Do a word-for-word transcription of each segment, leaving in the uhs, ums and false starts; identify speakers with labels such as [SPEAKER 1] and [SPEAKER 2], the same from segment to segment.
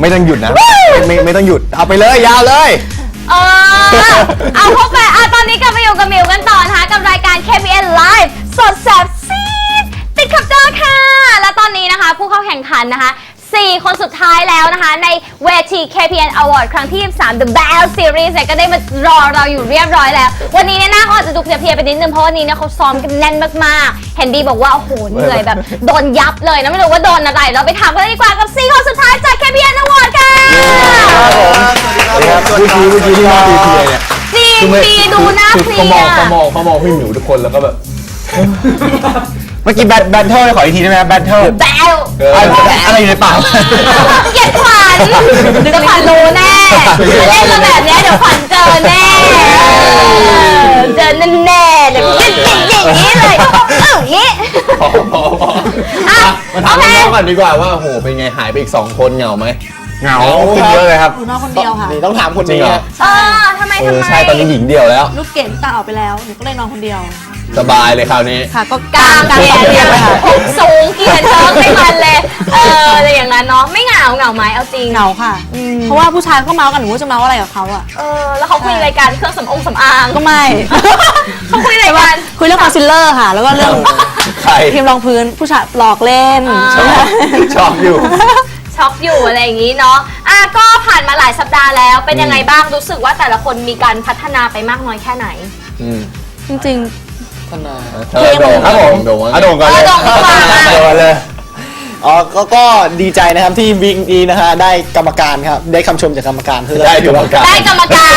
[SPEAKER 1] ไม่ต้องหยุดนะไม่ไม่ต้องหยุดเอาไปเลยยาวเลย
[SPEAKER 2] เออเอาเข้าไปอ่ะตอนนี้กลับมาอยู่กับมิวกันต่อนะคะกับรายการ เค พี เอ็น Live สดแสบซีดติดขับเจอค่ะและตอนนี้นะคะผู้เข้าแข่งขันนะคะสี่คนสุดท้ายแล้วนะคะในเวที เค พี เอ็น Award ครั้งที่ยี่สิบสาม The Best Series เนี่ยก็ได้มารอเราอยู่เรียบร้อยแล้ววันนี้เนี่ยหน้าเขาอาจจะดูเพลียๆไปนิดนึงเพราะวันนี้เนี่ยเขาซ้อมกันแน่นมากๆเห็นดีบอกว่าโอ้โหเหนื่อยแบบโดนยับเลยนะไม่รู้ว่าโดนอะไรเราไปถามกันเลยดีกว่ากับสี่คนสุดท้ายจาก เค พี เอ็น Award ค่ะ
[SPEAKER 1] สวัสดีครับเมื่อกี้เมื่อกี้ที่มาเพลียเนี่ย
[SPEAKER 2] จริงปีดูหน้าเพลีย
[SPEAKER 1] เขามองเขามองเขามองพี่หมิวทุกคนแล้วก็แบบเมื่อกี้แบทแบทเทิลขออีกทีได้ไหมแบทเทิล
[SPEAKER 2] แบล
[SPEAKER 1] อะไรอยู่ในปาก
[SPEAKER 2] เกลียดขวัญเดี๋ยวขวัญรู้แน่เล่นมาแบบนี้เดี๋ยวขวัญเจอแน่เจอแน่ๆเลยอย่างนี้เลยเอออย่างนี้
[SPEAKER 1] มาถามน้องก่อนดีกว่าว่าโหเป็นไงหายไปอีกสองคนเหงาไหมเหงาขึ้นเยอะเลยครับ
[SPEAKER 3] หนูนอนคนเดียวค่ะ
[SPEAKER 1] นี่ต้องถามคนนี้
[SPEAKER 2] เออทำไมทำไม
[SPEAKER 1] ใช่ตอนนี้หญิงเดียวแล้ว
[SPEAKER 3] ลูกเกดตาออกไปแล้วหนูก็เลยนอนคนเดียว
[SPEAKER 1] สบายเลยคราวนี้
[SPEAKER 3] ค่ะก็
[SPEAKER 2] กลางเกียร์เนี่ยผมสูงเกียร์เชิงไม่มันเลยเอออะไรอย่างนั้นเนาะไม่เหงาเหงาไหมเอาจริง
[SPEAKER 3] เหงาค่ะเพราะว่าผู้ชายก็เมาส์กันหนูจะเมาส์อะไรกับเขาอ่ะ
[SPEAKER 2] เออแล้วเขาคุยรายการเครื่องสำอางสำอาง
[SPEAKER 3] ก็ไม่
[SPEAKER 2] เขาคุยรายการ
[SPEAKER 3] คุยเรื่องคอนซีลเลอร์ค่ะแล้วก็เรื่องครีมรองพื้นผู้ชายหลอกเล่น
[SPEAKER 1] ชอบอยู่
[SPEAKER 2] ช็อกอยู่อะไรอย่างนี้เนาะอ่ะก็ผ่านมาหลายสัปดาห์แล้วเป็นยังไงบ้างรู้สึกว่าแต่ละคนมีการพัฒนาไปมากน้อยแค่ไหน
[SPEAKER 3] จริง
[SPEAKER 1] ๆพัฒนาเพลงครับผมโด่งอ่ะโด่งก่อนเลย
[SPEAKER 2] โด่งก่อน
[SPEAKER 1] เลย
[SPEAKER 4] อ๋อก็ก็ดีใจนะครับที่วิกนี้นะฮะได้กรรมการครับได้คำชมจากกรรมการคือ
[SPEAKER 1] ได้กรรมการ
[SPEAKER 2] ได้กรรมการ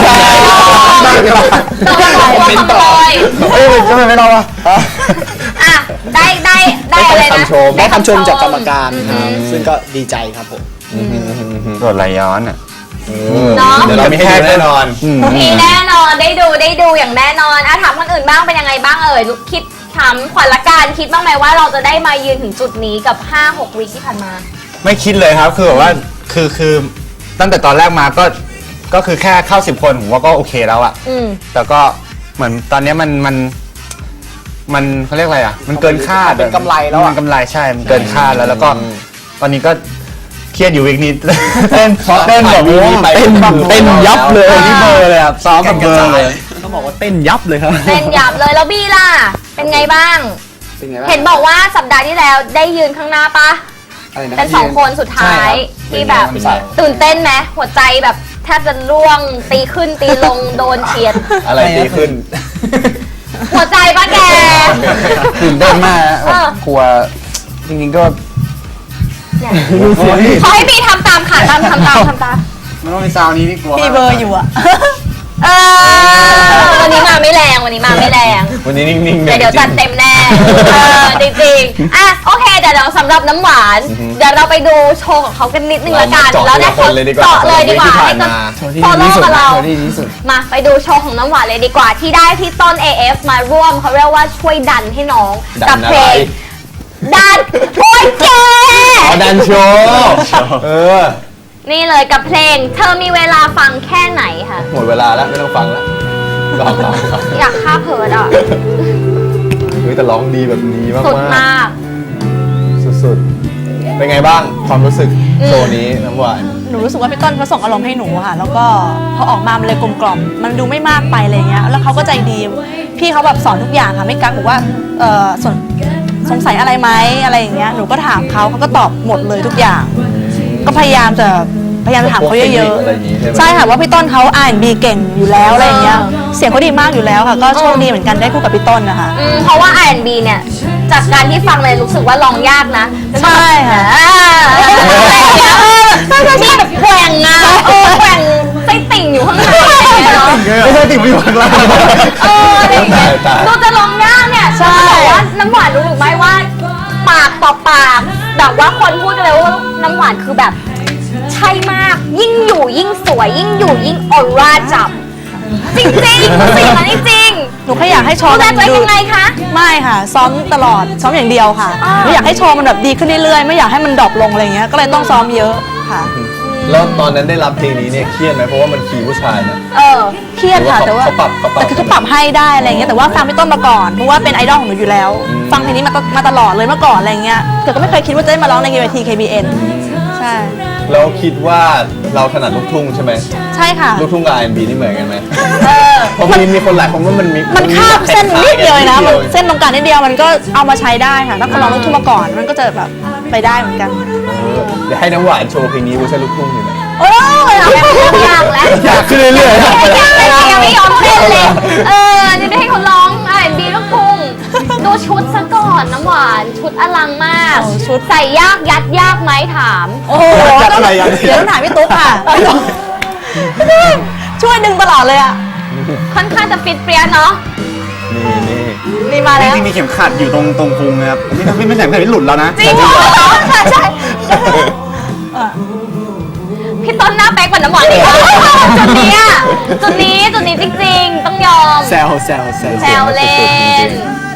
[SPEAKER 2] เป็นต่อ
[SPEAKER 1] เอ้ยทำไมไม่รอวะ
[SPEAKER 2] อ่ะได้ได้ได้อะไรนะ
[SPEAKER 4] ได้คำชมจากกรรมการครับซึ่งก็ดีใจครับผม
[SPEAKER 1] โดดไหลย้อนอ่ะ
[SPEAKER 2] เนาะ
[SPEAKER 1] เดี๋ยวเรามีให้แน่นอน
[SPEAKER 2] มีแน่นอนได้ดูได้ดูอย่างแน่นอนอ่ะถามคนอื่นบ้างเป็นยังไงบ้างเอ่ยคิดถามขวัญละกันคิดบ้างไหมว่าเราจะได้มายืนถึงจุดนี้กับ ห้าหก วีคที่ผ่านมา
[SPEAKER 1] ไม่คิดเลยครับคือแบบว่าคือคือตั้งแต่ตอนแรกมาก็ก็คือแค่เข้าสิบคนผมว่าก็โอเคแล้วอะแต่ก็เหมือนตอนนี้มันมันมันเขาเรียกอะไรอะมันเกินคาด
[SPEAKER 4] เป็นกำไรแล้ว
[SPEAKER 1] มันกำไรใช่มันเกินคาดแล้วแล้วก็ตอนนี้ก็เครียดอยู่อีกนิดเต้นเต้นแบบเต้นเต้นยับเลยนี่เบอร์เลยครับซ้อมกับเบอร์เลยต้องบอกว่าเต้นยับเลยครับ
[SPEAKER 2] เต้นยับเลยแล้วบี้ล่ะเป็นไงบ้างเห็นบอกว่าสัปดาห์ที่แล้วได้ยืนข้างหน้าปะเป็นสองคนสุดท้ายที่แบบตื่นเต้นไหมหัวใจแบบแทบจะร่วงตีขึ้นตีลงโดนเฉียด
[SPEAKER 1] อะไรตีขึ้น
[SPEAKER 2] หัวใจปะแก
[SPEAKER 1] ตื่นเต้นมากกลัวจริงๆก็
[SPEAKER 2] ขอให้บีทำตามค่ะทำทำตามทำตาม
[SPEAKER 1] มันต้องมีซาวนี้นี่กลัว
[SPEAKER 3] มีเบอร์อยู่อะ
[SPEAKER 2] เออวันนี้มาไม่แรงวันนี้มาไม่แรง
[SPEAKER 1] วันนี้นิ่งๆ
[SPEAKER 2] เดี๋ยวจัดเต็มแน่จริงๆอ่ะโอเคเดี๋ยวเราสำหรับน้ำหวานเดี๋ยวเราไปดูโชว์ของเขากันนิดนึงละกันแล้วได้
[SPEAKER 1] คนเลยดีกว่า
[SPEAKER 2] เจาะเลยดีกว่าให้กับฟอลโล่กับเรามาไปดูโชว์ของน้ำหวานเลยดีกว่าที่ได้ที่ต้น เอ เอฟ มาร่วมเขาเรียกว่าช่วยดันให้น้องกับเพลงดันโอ้ยแก
[SPEAKER 1] ดันโชว์เออ
[SPEAKER 2] นี่เลยกับเพลงเธอมีเวลาฟังแค่ไหนค่ะ
[SPEAKER 1] หมดเวลาแล้วไม่ต้องฟังแล้ว
[SPEAKER 2] อยากฆ่าเพิร์ดอ่ะ
[SPEAKER 1] เฮ้ยแต่ร้องดีแบบนี้มาก
[SPEAKER 2] สุดมาก
[SPEAKER 1] สุดๆเป็นไงบ้างความรู้สึกโชว์นี้น้ำหวาน
[SPEAKER 3] หนูรู้สึกว่าพี่ต้นเขาส่งอารมณ์ให้หนูค่ะแล้วก็พอออกมามันเลยกลมกล่อมมันดูไม่มากไปอะไรเงี้ยแล้วเขาก็ใจดีพี่เขาแบบสอนทุกอย่างค่ะไม่กักบอกว่าเออส่วนสงสัยอะไรไหมอะไรอย่างเงี้ยหนูก็ถามเขาเขาก็ตอบหมดเลยทุกอย่างก็พยายามจะพยายามถามเขาเยอะๆใช่ค่ะว่าพี่ต้นเขาอ่านบีเก่งอยู่แล้วอะไรอย่างเงี้ยเสียงเขาดีมากอยู่แล้วค่ะก็โชคดีเหมือนกันได้คู่กับพี่ต้นนะคะ
[SPEAKER 2] เพราะว่า อาร์ แอนด์ บี เนี่ยจากการที่ฟังเลยรู้สึกว่าร้องยากนะ
[SPEAKER 3] ใช่ค่ะ
[SPEAKER 2] ที่แบบแกว่งอ่ะเออแกว่งไส้ติ่งอยู่ข้างในเนาะ
[SPEAKER 1] ไม่ใช่ติ่งอยู่ข้างล่าง
[SPEAKER 2] เอออะไรอย่างเงี้ยดูจะร้องยากเนี่ยใช่บอกว่าน้ำหวานรู้หรือไม่ว่าปากต่อปากแบบว่าคนพูดกันเลยว่าน้ำหวานคือแบบใช่มากยิ่งอยู่ยิ่งสวยยิ่งอยู่ยิ่งออร่าจับจริงจริงสิ่งนั้นจริง
[SPEAKER 3] หนูแค่อยากให้โชว์
[SPEAKER 2] ดูแลตัวเองยังไงคะ
[SPEAKER 3] ไม่ค่ะซ้อมตลอดซ้อมอย่างเดียวค่ะหนูอยากให้โชว์มันแบบดีขึ้นเรื่อยๆไม่อยากให้มันดรอปลงอะไรเงี้ยก็เลยต้องซ้อมเยอะค่ะ
[SPEAKER 1] แล้วตอนนั้นได้รับเพลงนี้เนี่ยเครียดไหมเพราะว่ามันคีย์ผู้ชายนะ
[SPEAKER 3] เออเครียดค่ะแต่ว่าแต่คือเขาปรับให้ได้อะไรเงี้ยแต่ว่าฟังพี่ต้นมาก่อนเพราะว่าเป็นไอดอลของหนูอยู่แล้วฟังเพลงนี้มามาตลอดเลยเมื่อก่อนอะไรเงี้ยแต่ก็ไม่เคยคิดว่าจะได้มาร้องในเวที เค บี เอ็น ใช่ใช่
[SPEAKER 5] เราคิดว่าเราถนัดลูกทุ่งใช่ไหม
[SPEAKER 3] ใช่ค่ะ
[SPEAKER 5] ลูกทุ่งกับ อาร์ แอนด์ บี นี่เหมือนกันไหม
[SPEAKER 3] เออ
[SPEAKER 5] เพราะมีมีคนหลายคนว่ามันมี
[SPEAKER 3] มันข้ามเส้นนิดเดียวเลยนะ
[SPEAKER 5] มั
[SPEAKER 3] มันเส้นตรงกลางนิดเดียวมันก็เอามาใช้ได้ค่ะ ถ้าคนร้องลูกทุ่งมาก่อนมันก็จะแบบไปได้เหมือนกัน
[SPEAKER 5] เดี๋ยวให้น้ำหวานโชว์เพลงนี้เวอร์ชันลูกทุ่งอยู่ไหม
[SPEAKER 3] โอ้ย
[SPEAKER 2] เอาแบบเรื่องยากแล้ว
[SPEAKER 5] อยากขึ้นเรื่อยๆ
[SPEAKER 2] ยังไม่ยังไม่ยอมเต้นเลย เออจะได้ให้เขาร้องอ่านบีลูกทุ่งดูชุดซะก่อนน้ำหวานชุดอลังมาก ชุดใส่ยากยัดยากไหมถาม
[SPEAKER 3] โอ้โหต้องเดี๋ยวต้องถามพี่ตุ๊กค่ะ ช่วยดึงตลอดเลยอ่ะ
[SPEAKER 2] ค่อนข้างจะฟิตเปรี้ยเนาะ
[SPEAKER 5] นี่นี่
[SPEAKER 3] นี่มาแล้ว
[SPEAKER 1] ที่มีเข็มขัดอยู่ตรงตรงพุงนะครับนี่ถ้าพี่ไม่แต่งแบบนี้หลุดแล้วนะ
[SPEAKER 2] จริงเหรอใช่ใช่พี่ต้นหน้าเป๊กกว่าน้ำหวานอีกอะจุดนี้อะจุดนี้จุดนี้จริงๆ ต้องยอม
[SPEAKER 4] แซวแซวแซว
[SPEAKER 2] แซวเล่น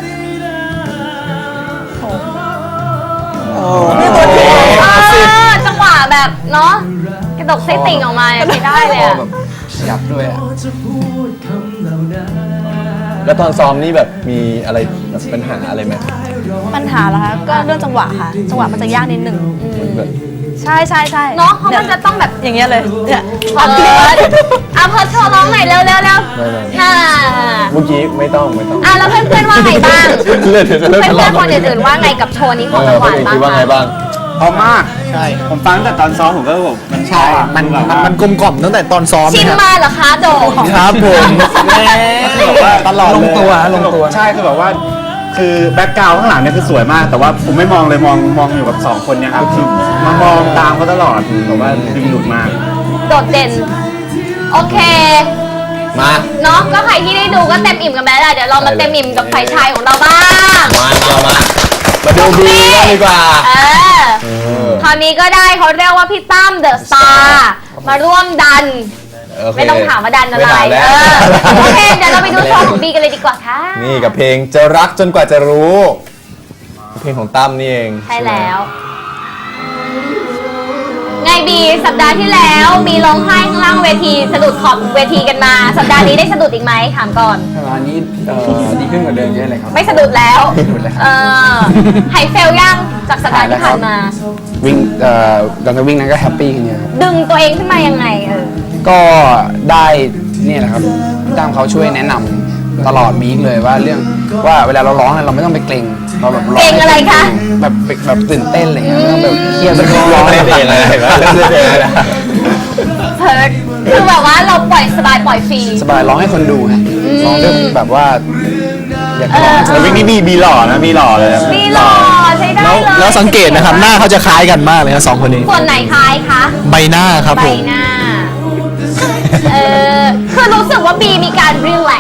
[SPEAKER 3] นี่ตัวจริง
[SPEAKER 2] เออจังหวะแบบเนาะกระดกไส้ติ่งออกมาเนี่ยไม่ได้เลยอะ
[SPEAKER 5] ยับด้วยอ่ะ แล้วตอนซ้อมนี่แบบมีอะไรแบบปัญหาอะไรไหม
[SPEAKER 3] ปัญหาเหรอคะก็เรื่องจังหวะค่ะ จังหวะมันจะยากนิดหนึ่ง
[SPEAKER 5] เหมือนแบบ
[SPEAKER 3] ใช่ใช่ใช่
[SPEAKER 2] เนาะเพราะมันจะต้องแบบ
[SPEAKER 3] อย่างเงี้ยเลยเนี่ย
[SPEAKER 2] เพิร์ดอ่ะเพิร์ดโชว์ร้องหน่อยเร็วเร็วเร็ว
[SPEAKER 5] ไม่ไม่
[SPEAKER 2] น่า
[SPEAKER 5] เมื่อกี้ไม่ต้องไม่ต้อง
[SPEAKER 2] อ่ะแล้วเพื่อนเพื่อนๆว่าไงบ้าง
[SPEAKER 5] เลือดเดี๋ยวจะเริ่ม
[SPEAKER 2] เพื่อน
[SPEAKER 5] ทะ
[SPEAKER 2] เพื่อน
[SPEAKER 5] เลาะ
[SPEAKER 2] ๆคนอื่นๆว่าไงกับโชว์นี้ของ
[SPEAKER 5] เออ
[SPEAKER 2] น้ำห
[SPEAKER 5] คน
[SPEAKER 2] วาน
[SPEAKER 5] อื่น
[SPEAKER 2] บ้าง
[SPEAKER 5] คิดว่าไง
[SPEAKER 2] คะ
[SPEAKER 5] บ้าง
[SPEAKER 1] พอมาก
[SPEAKER 4] ใช่
[SPEAKER 1] ผมฟังตั้งแต่ตอนซ้อมผมก็แบบมัน
[SPEAKER 4] ใช่ มัน
[SPEAKER 1] แบบ
[SPEAKER 4] มัน
[SPEAKER 1] ว่า
[SPEAKER 4] มันกลมกล่อมตั้งแต่ตอนซ้อม
[SPEAKER 2] ชิม
[SPEAKER 4] นะครับ
[SPEAKER 2] มาเหรอคะโดม
[SPEAKER 4] ครับผมแบบว่าตลอด
[SPEAKER 1] ล
[SPEAKER 4] เล
[SPEAKER 1] ง
[SPEAKER 4] ย
[SPEAKER 1] ตัวลงตัวใช่คือแบบว่าคือแบ็คกราวด์ข้างหลังเนี่ยคือสวยมาก แต่ว่าผมไม่มองเลยมองมองอยู่กับสองคนเนี่ยครับคือมามองตามเขาตลอดแบบว่าดึงดูดมาก
[SPEAKER 2] โดดเด่น โอเค
[SPEAKER 5] มา
[SPEAKER 2] เนาะก็ใครที่ได้ดูก็เต็มอิ่มกันไปแล้วแหละเดี๋ยวเรามาเต็มอิ่มกับฝ่ายชายของเราบ้าง
[SPEAKER 5] มามามามาดูบีกันดีกว่า
[SPEAKER 2] เออ
[SPEAKER 5] เออ
[SPEAKER 2] คราวนี้ก็ได้เขาเรียกว่าพี่ตั้มเดอะสตาร์มาร่วมดัน
[SPEAKER 5] โอเค
[SPEAKER 2] ไม่ต้องถามว่าดันอะไร
[SPEAKER 5] ม่ถามแล้ว
[SPEAKER 2] เออโอเค เดี๋ยวเราไปดูโชว์ของบีกันเลยดีกว่าค่ะ
[SPEAKER 5] นี่กับเพลงจะรักจนกว่าจะรู้ เพลงของตั้มนี่เอง
[SPEAKER 2] ใช่แล้ว ไงบีสัปดาห์ที่แล้วมีร้องไห้ข้างล่างเวทีสะดุดขอบเวทีกันมา สัปดาห์นี้ได้สะดุดอีกไหมถามก่อน
[SPEAKER 6] อันนี้เอ่อดีขึ้นกว่าเดิมเยอะเลยครับ
[SPEAKER 2] ไม่สะดุดแล้ว
[SPEAKER 6] ไม่สะดุดแล้วครับ
[SPEAKER 2] เออหายเฟลยังจากสัปดาห์ที่ผ่านมา
[SPEAKER 6] วิ่งเอ่อตอนจะวิ่งนั้นก็แฮปปี้กันเยอะครับ
[SPEAKER 2] ดึงตัวเองขึ้นมายังไงเออ
[SPEAKER 6] ก็ได้เนี่ยแหละครับพี่ตั้มเขาช่วยแนะนำตลอดวีคเลยว่าเรื่องว่าเวลาเราร้องเนี่ยเราไม่ต้องไปเกรงเราแบบร้อง
[SPEAKER 2] เกรงอะไรคะ
[SPEAKER 6] แบบแบบตื่นเต้นอะไรเงี้ยไม่ต้องแบบเครียดไม่ต้องร้
[SPEAKER 5] ร้
[SPEAKER 6] อ
[SPEAKER 5] อง ง
[SPEAKER 6] อะไร
[SPEAKER 5] ได้เพลงอะไรเห็นไหมเล่นเพลงอะไรนะ
[SPEAKER 2] เพิร์ดคือแบบว่าเราปล่อยสบายปล่อยฟรี
[SPEAKER 6] สบายร้องให้คนดูฮะร้องด้วยแบบว่าอยากให้ร้อง
[SPEAKER 1] แต่วิกนี้บีบีหล่อนะบีหล่อเลยนะ
[SPEAKER 2] มีหล่อใช้ได้
[SPEAKER 4] แล้ว
[SPEAKER 2] เลย
[SPEAKER 4] แล้วสังเกตนะครับ หน้าเขาจะคล้ายกันมากเลยนะสองคนนี้
[SPEAKER 2] ส่วนไหนคล้ายคะ
[SPEAKER 4] ใบหน้าครับ
[SPEAKER 2] ใบ
[SPEAKER 4] ผม
[SPEAKER 2] หน้า เออคือรู้สึกว่าบีมีการ relax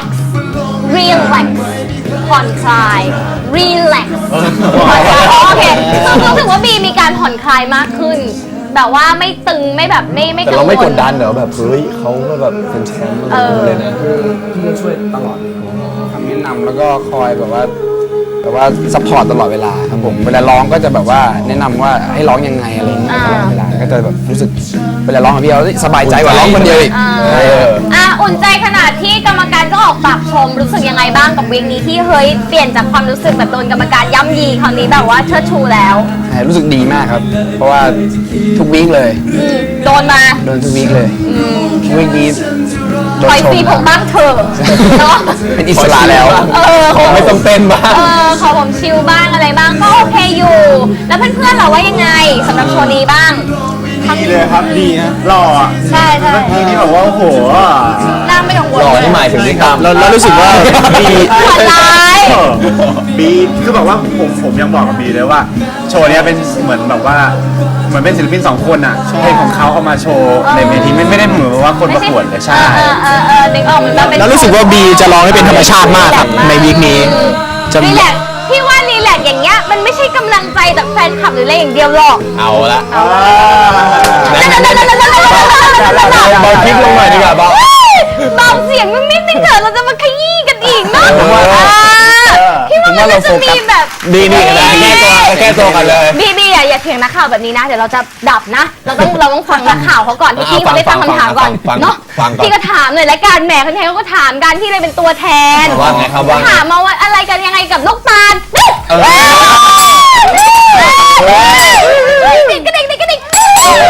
[SPEAKER 2] relax ผ่อนคลาย relax ผ่อนคลายโอเคคือรู้สึกว่าบีมีการผ่อนคลายมากขึ้น แบบว่าไม่ตึงไม่แบบไม่ไม่
[SPEAKER 5] แต่
[SPEAKER 2] กังวล
[SPEAKER 5] เราไม่กดดันเหรอแบบเฮ้ยเขาก็แบบเป็นแชมป์อะไรอย่างเงี้ยเลยนะ
[SPEAKER 6] พี่ช่วยตลอดคำแนะนำแล้วก็คอยแบบว่าแบบว่าซัพพอร์ตตลอดเวลาครับผมเวลาร้องก็จะแบบว่าแนะนำว่าให้ร้องยังไงอะไรอย่างเงี้ยตลอดเวลาก็จะแบบรู้สึกเวลาร้องกับพี่เขาสบายใจกว่าร้องคนเดียวอีก
[SPEAKER 2] อ่า
[SPEAKER 5] เออ
[SPEAKER 2] อ่ะอุ่นใจขนาดที่กรรมการก็ออกปากชมรู้สึกยังไงบ้างกับวีคนี้ที่เฮ้ยเปลี่ยนจากความรู้สึกแบบโดนกรรมการย่ำยีคราวนี้แบบว่าเชิดชูแล้ว
[SPEAKER 6] ใช่รู้สึกดีมากครับ เพราะว่าทุกวีคเลย
[SPEAKER 2] อืมโดนมา
[SPEAKER 6] โดนทุกวีคเลยวีคนี้โด
[SPEAKER 2] ป
[SPEAKER 6] น
[SPEAKER 2] ล่อย
[SPEAKER 6] ช
[SPEAKER 2] ฟรี
[SPEAKER 6] ม
[SPEAKER 2] ผมบ้างเถอะเนาะ
[SPEAKER 6] เป็นอิสระแล้ว
[SPEAKER 2] เออ
[SPEAKER 5] ขอไม่ต้องเต้นบ้าง
[SPEAKER 2] เออขอผมชิลบ้างอะไรบ้างก็โอเคอยู่ แล้วเพื่อนๆเราว่ายังไงสำหรับโชว์นี้บ้าง
[SPEAKER 1] ดีเลยครับดีนะหล่ออ่ะ
[SPEAKER 2] ใช่ใช่
[SPEAKER 1] เมื่อกี้นี่แบบว่าโอ้โห
[SPEAKER 2] น่าไม่กังวล
[SPEAKER 5] หล่อที่หมายถึงที่ตั้ม
[SPEAKER 4] เราเรารู้สึกว่าบี
[SPEAKER 2] ผ่อนร้าย
[SPEAKER 1] เออบีคือแบบว่าผมผมยังบอกกับบีเลยว่า โชว์เนี้ยเป็นเหมือนแบบว่าเหมือนเป็นศิลปินสองคนอ่ะเพลงของเขาเอามาโชว์ในเวทีไม่ไม่ได้เหมือนว่าคนประกวดเลยใช่
[SPEAKER 2] เออเออเออนึกออกเหมือนว่าเป็น
[SPEAKER 4] แล้วรู้สึกว่าบีจะร้องให้เป็นธรรมชาติมากครับในวีคนี้จะ
[SPEAKER 2] รีแลกซ์พี่ว่ารีแลกซ์อย่างเงี้ยมันไม่ใช่กำลังใจจากแฟนคลับหรืออะไรอย่างเดียวหรอก
[SPEAKER 5] เอาละ
[SPEAKER 2] นั่นนั่นนั่นนั่นนั่นนั่นนั่นนั่น
[SPEAKER 5] เบาคลิปลงหน่อยดีกว่าเบา
[SPEAKER 2] เบาเสียงนิดนึงเถอะเราจะมาขยี้กันอีกเนาะ
[SPEAKER 5] ผมว่า
[SPEAKER 2] พี่ว่ามันจะมีแบบ
[SPEAKER 5] ดีนี่แก้ตัวแก้ตัวกันเลย
[SPEAKER 2] บีบีอย่าอย่าเถียงนักข่าวแบบนี้นะเดี๋ยวเราจะดับนะ เราต้องเราต้องฟังนักข่าวเขาก่อนที่พี่เขาได้ตั้งคำถามก่อน
[SPEAKER 5] ฟัง
[SPEAKER 2] เนาะ
[SPEAKER 5] ฟังก่อน
[SPEAKER 2] พี่ก็ถามหน่อยละกันแหมคนไทยเขาก็ถามกันที่เลยเป็นตัวแทน
[SPEAKER 5] ว่าไงครับว่าไง
[SPEAKER 2] ถามมาว่าอะไรกันยังไงกับลูกตาล
[SPEAKER 5] เออ
[SPEAKER 2] กระดิกกระดิกกระดิก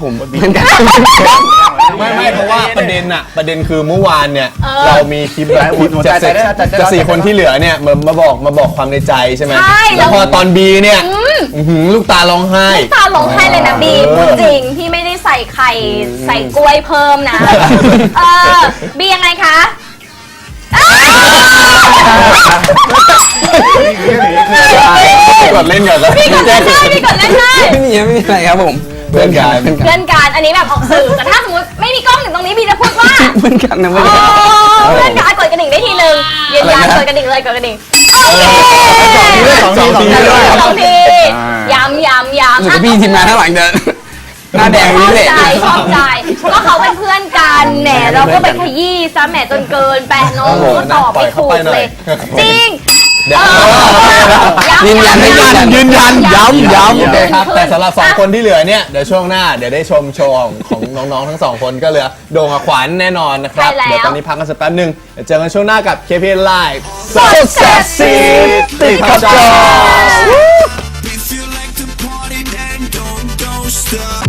[SPEAKER 6] ผมเหมือนกัน
[SPEAKER 5] ไม่ไม่เพราะว่าประเด็นอะประเด็นคือเมื่อวานเนี่ย
[SPEAKER 2] เออ
[SPEAKER 5] เรามีคลิปแบบคลิป
[SPEAKER 1] หนู
[SPEAKER 5] จาก
[SPEAKER 1] ใจได้ใจได้
[SPEAKER 5] จากสี่คนที่เหลือเนี่ยมามาบอกมาบอกความในใจใช่ไหม
[SPEAKER 2] ใช่
[SPEAKER 5] แล้วพอตอนบีเนี่ย
[SPEAKER 2] อืม
[SPEAKER 5] อื้อหือลูกตาร้องไห้
[SPEAKER 2] ตาลงให้เลยนะบี
[SPEAKER 5] เออ
[SPEAKER 2] พูดจริงพี่ไม่ได้ใส่ไข่ใส่กล้วยเพิ่มนะเออบียังไงคะอ้าว
[SPEAKER 5] กดเล่นก่อนแล้ว
[SPEAKER 2] พี่กดเล่นได้พี่กดเล่นได้
[SPEAKER 6] ไม่มีไม่มีอะไรครับผม
[SPEAKER 5] เพื่อนกัน
[SPEAKER 2] เพื่อนกันอันนี้แบบออกสื่อแต่ถ้าสมมติไม่มีกล้องอยู่ตรงนี้บีจะพูดว่า
[SPEAKER 6] เพื่อนกันนะไม่
[SPEAKER 2] อ๋อ
[SPEAKER 6] ได้
[SPEAKER 2] เพื่อนกันกดกระดิ่งได้ทีนึงยืนยันกดกระดิ่งเลยกดกระดิ่งโอเค
[SPEAKER 5] สองทีสองที
[SPEAKER 2] สองทีย้ำย้ำย้ำ
[SPEAKER 6] รู้สึกว่าพี่ทีมงานข้างหลังเดินหน้าแดง
[SPEAKER 2] ช
[SPEAKER 6] นี่
[SPEAKER 2] อบ
[SPEAKER 6] เลย
[SPEAKER 2] ใจชอบใจก็เขาเป็นเพื่อนกันแหมเราก็ไปขยี้ซะแหมจนเกินแปะน้องก็ตอบไม่ถูกเลย จริง
[SPEAKER 5] เดี๋ยว
[SPEAKER 6] ยืนยันไม่ยืนยัน
[SPEAKER 5] ยืนยันย้ำย้ำ
[SPEAKER 2] ย้ำ
[SPEAKER 5] โอเคครับ
[SPEAKER 2] ขึ้น
[SPEAKER 5] แต่สำหรับสองคนที่เหลือเนี่ยเดี๋ยวช่วงหน้าเดี๋ยวได้ชมโชว์ของของน้องๆทั้งสองคนก็เหลือโด่งกับขวัญแน่นอนนะครับ
[SPEAKER 2] ใช่แล้ว
[SPEAKER 5] เดี๋ยวตอนนี้พักกันสักแป๊บหนึงเดี๋ยวเจอกันช่วงหน้ากับ เค พี เอ็น Live
[SPEAKER 2] สดแซ่บซีด
[SPEAKER 5] ติดขอบจอ
[SPEAKER 7] If you like to party, then don't, don't stop.